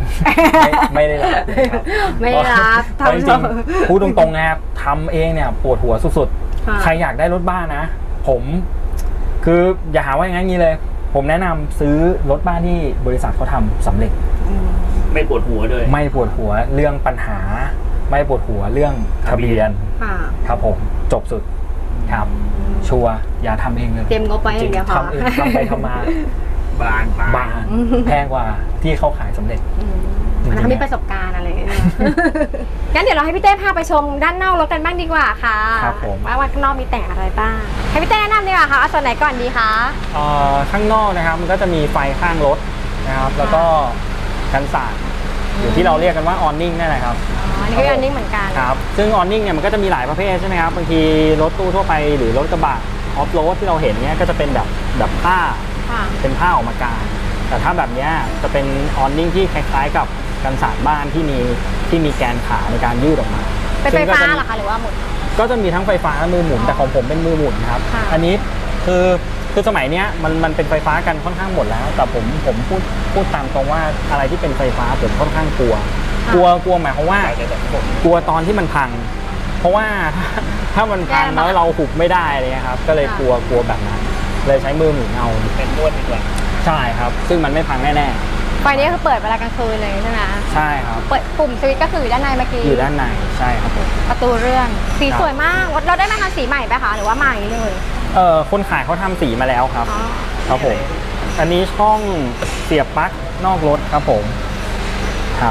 [SPEAKER 2] ไม่ไม่ได้รับครับ
[SPEAKER 1] ไม่ได้รับ
[SPEAKER 2] เพราะจริงๆพูดตรงๆนะครับทำเองเนี่ยปวดหัวสุด
[SPEAKER 1] ค่ะ
[SPEAKER 2] ๆใครอยากได้รถบ้านนะ ผมคืออย่าหาว่าอย่างนั้นงี้เลย ผมแนะนำซื้อรถบ้านที่บริษัทเขาทำสำเร็จ
[SPEAKER 1] อืม
[SPEAKER 3] ไม่ปวดหัวด้วย
[SPEAKER 2] ไม่ปวดหัวเรื่องปัญหา ไม่ปวดหัวเรื่องทะเบียน
[SPEAKER 1] ค่ะ
[SPEAKER 2] ครับผมจบสุดครับ ชัวร์อย่าทำเองเลย
[SPEAKER 1] เตรียมงบไว้อย่างเดียวพอ
[SPEAKER 2] ทำเองทำไปทำมา
[SPEAKER 3] บานปลาย
[SPEAKER 2] บางแพงกว่าที่เขาขายสำเร็จ
[SPEAKER 1] อืมอันนั้นเขามีประสบการณ์อะไรอย่างเงี้ย งั้นเดี๋ยวเราให้พี่เต้พาไปชมด้านนอกรถกันบ้างดีกว่าค่ะ
[SPEAKER 2] ครับผม
[SPEAKER 1] ว่าว่าข้างนอกมีแต่งอะไรบ้าง ให้พี่เต้แนะนำดีกว่าค่ะเอาส่วนไหนก่อนดีคะ
[SPEAKER 2] เอ่อข้างนอกนะครับมันก็จะมีไฟข้างรถนะครับแล้วก็กันสาดหรือที่เราเรียกกันว่าออนนิ่งนั่นแหละครับ
[SPEAKER 1] อ๋ออันนี้ก็อันนี้เหมือนกัน
[SPEAKER 2] ครับซึ่งออนนิ่งเนี่ยมันก็จะมีหลายประเภทใช่ไหมครับบางทีรถตู้ทั่วไปหรือรถกระบะออฟโรดที่เราเห็นเนี่ยก็จะเป็นแบบแบบผ้า
[SPEAKER 1] ค่ะ
[SPEAKER 2] เป็นผ้าออกมากางแต่ถ้าแบบเนี้ยจะเป็นออนนิ่งที่คล้ายๆกับกันสาดบ้านที่มีที่มีแกนขาในการยืดออกมา
[SPEAKER 1] เป็นไฟ
[SPEAKER 2] ซึ่งก็
[SPEAKER 1] ฟ้า
[SPEAKER 2] จะมี
[SPEAKER 1] เหรอคะหรือว่าหมุน
[SPEAKER 2] ก็จะมีทั้งไฟฟ้าและมือหมุนแต่ของผมเป็นมือหมุนครับ
[SPEAKER 1] ค่ะ
[SPEAKER 2] อันนี้คือคือสมัยเนี้ยมันมันเป็นไฟฟ้ากันค่อนข้างหมดแล้ว แต่ผมผมพูดพูดตามตรงว่าอะไรที่เป็นไฟฟ้าผมค่อนข้างกลัว กลัวกลัวหมายความว่า
[SPEAKER 3] แต่แต่ผม
[SPEAKER 2] กลัวตอนที่มันพัง เพราะว่า ถ้าถ้ามันพังแล้วเราหุบไม่ได้อะไรเลยครับ ก็เลยกลัวกลัวแบบนั้น เลยใช้มือหมุนเอา
[SPEAKER 3] เป็นนวดดีกว่า
[SPEAKER 2] ใช่ครับ ซึ่งมันไม่พังแน่
[SPEAKER 1] ไฟนี้คือเปิดเวลากลางคืนเลยใช่ไหม
[SPEAKER 2] ๆ ใช่ครับ
[SPEAKER 1] เปิดปุ่มสวิตช์ก็คืออยู่ด้านในเมื่อกี้
[SPEAKER 2] อยู่ด้านในใช่ครับผม
[SPEAKER 1] ประตูเลื่อน สี
[SPEAKER 2] ครับ
[SPEAKER 1] สวยมาก เราได้มาทำสีใหม่ไหมคะ หรือว่าใหม่เลย
[SPEAKER 2] เออคนขายเขาทำสีมาแล้วครับ
[SPEAKER 1] อ๋อ
[SPEAKER 2] ครับผม อันนี้ช่องเสียบปลั๊กนอกรถครับผม ครับ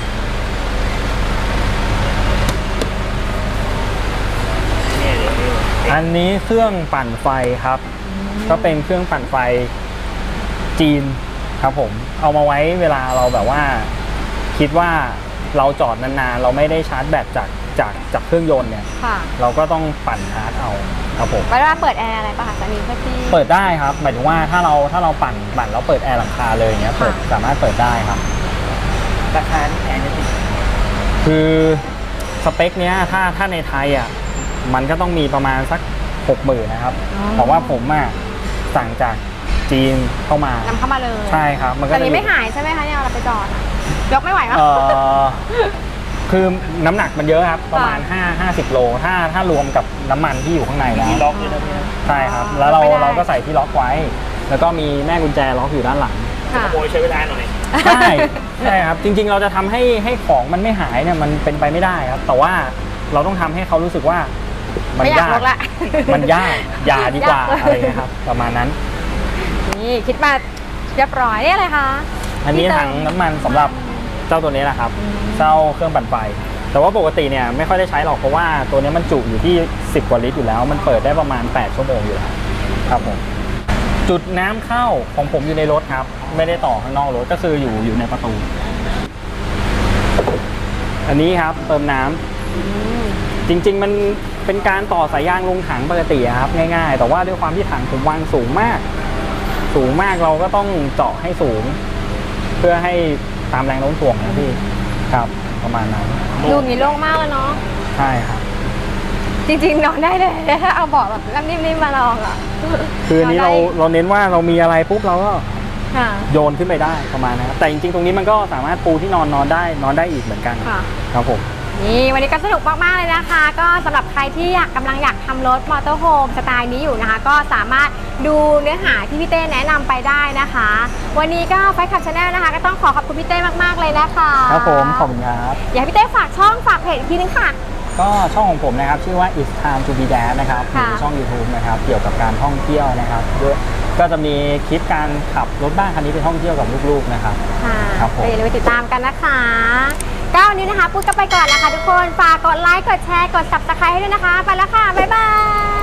[SPEAKER 3] เนี่ยเดี๋ยวนี้
[SPEAKER 2] อันนี้เครื่องปั่นไฟครับ ก็เป็นเครื่องปั่นไฟจีนครับผม เอามาไว้เวลาเราแบบว่า คิดว่าเราจอดนานๆ เราไม่ได้ชาร์จแบตจากจากจากเครื่องยนต์เนี่ย
[SPEAKER 1] ค่ะ
[SPEAKER 2] เราก็ต้องปั่นชาร์จเอาครับผม
[SPEAKER 1] เวลาเปิดแอร์อะไรป่ะคะจะมีเพื่อที่
[SPEAKER 2] เปิดได้ครับ หมายถึงว่าถ้าเราถ้าเราปั่นปั่นแล้วเปิดแอร์หลังคาเลยอย่างเงี้ยเปิด
[SPEAKER 1] ค่ะ
[SPEAKER 2] สามารถเปิดได้ครับ
[SPEAKER 3] ราคานี่แพงจะติด
[SPEAKER 2] คือสเปคเนี้ยถ้าถ้าในไทยอ่ะมันก็ต้องมีประมาณสักหกหมื่นนะครับเพราะว่าผมอ่ะสั่งจากจีนเข้ามาน
[SPEAKER 1] ำเข้ามาเลย
[SPEAKER 2] ใช่ครับมันก็
[SPEAKER 1] แต่
[SPEAKER 2] จะ
[SPEAKER 1] นี้
[SPEAKER 2] อยู่
[SPEAKER 1] ไม่หายใช่ไหมคะเนี่ยเราไปจอดอะยกไม่ไหวปะ
[SPEAKER 2] เอ่อคือน้ำหนักมันเยอะครับ ประมาณห้า ห้าสิบโลถ้าถ้ารวมกับน้ำมันที่อยู่ข้างในแล้ว
[SPEAKER 3] มีล็อกด้วยนะพี่นะ
[SPEAKER 2] ใช่ครับ แล้วเราเราก็ใส่ที่ล็อกไว้ แล้วก็มีแม่กุญแจล็อกอยู่ด้านหลัง
[SPEAKER 1] ค่ะ
[SPEAKER 3] ขโมยใช้เวลาหน่อย
[SPEAKER 2] ใช่ใช่ครับ จริงๆ เราจะทำให้ให้ของมันไม่หายเนี่ยมันเป็นไปไม่ได้ครับ แต่ว่าเราต้องทำให้เขารู้สึกว่ามัน
[SPEAKER 1] ไม่อยาก
[SPEAKER 2] ยาก
[SPEAKER 1] ลกละ
[SPEAKER 2] มันยากอย่าดีกว่า
[SPEAKER 1] ยากเลย
[SPEAKER 2] อะไรเงี้ยครับ ประมาณนั้น
[SPEAKER 1] นี่คิดมาเรียบร้อยนี่อะไรคะ
[SPEAKER 2] อันนี้
[SPEAKER 1] ที่เติม
[SPEAKER 2] ถังน้ำมันสำหรับเจ้าตัวนี้แหละครับ
[SPEAKER 1] อืม
[SPEAKER 2] เจ้าเครื่องปั่นไฟ แต่ว่าปกติเนี่ยไม่ค่อยได้ใช้หรอกเพราะว่าตัวนี้มันจุอยู่ที่สิบกว่าลิตรอยู่แล้ว มันเปิดได้ประมาณแปดชั่วโมงอยู่แล้วครับผม จุดน้ำเข้าของผมอยู่ในรถครับ ไม่ได้ต่อข้างนอกรถก็คืออยู่อยู่ในประตู อันนี้ครับเติมน้ำ
[SPEAKER 1] อืม
[SPEAKER 2] จริงๆ มันเป็นการต่อสายยางลงถังปกติอะครับง่ายๆ แต่ว่าด้วยความที่ถังผมวางสูงมาก สูงมากเราก็ต้องเจาะให้สูง เพื่อให้ตามแรงโน้มถ่วงนะพี่ครับประมาณนั้น
[SPEAKER 1] ดูอย่างนี้โล่งมากเลยเนาะ
[SPEAKER 2] ใช่ครับ
[SPEAKER 1] จริงๆนอนได้เลยถ้าเอาเบาะแบบนิ่มๆมาลองอ่ะ
[SPEAKER 2] คืออันนี้เรา
[SPEAKER 1] ได้
[SPEAKER 2] เราเน้นว่าเรามีอะไรปุ๊บเราก็
[SPEAKER 1] ค่ะ
[SPEAKER 2] โยนขึ้นไปได้ประมาณนั้นครับแต่จริงๆ ตรงนี้มันก็สามารถปูที่นอนนอนได้นอนได้อีกเหมือนกัน
[SPEAKER 1] ค่ะ
[SPEAKER 2] ครับผม
[SPEAKER 1] นี่วันนี้ก็สนุกมากๆเลยนะคะ ก็สำหรับใครที่อยากกำลังอยากทำรถมอเตอร์โฮมสไตล์นี้อยู่นะคะ ก็สามารถดูเนื้อหาที่พี่เต้แนะนำไปได้นะคะ วันนี้ก็ไฟขับชาแนลนะคะ ก็ต้องขอขอบคุณพี่เต้มากๆเลยนะคะ
[SPEAKER 2] ครับผมขอบคุณครับ
[SPEAKER 1] อยากให้พี่เต้ฝากช่องฝากเพจอีกทีนึงค่ะ
[SPEAKER 2] ก็ช่องของผมนะครับชื่อว่า It's Time to Be Dad นะครับอ
[SPEAKER 1] ค่ะ
[SPEAKER 2] ยู่ในช่อง YouTube นะครับเกี่ยวกับการท่องเที่ยวนะครับด้วยก็จะมีคลิปการขับรถบ้านคันนี้ไปท่องเที่ยวกับลูกๆนะครับ
[SPEAKER 1] ค่ะ
[SPEAKER 2] ครับผม
[SPEAKER 1] ก็อย่าลืมไปติดตามกันนะคะก็วันนี้นะคะพูดกันไปก่อนนะคะทุกคนฝากกดไลค์กดแชร์กด ซับสไครบ์ ให้ด้วยนะคะไปแล้วค่ะบ๊ายบาย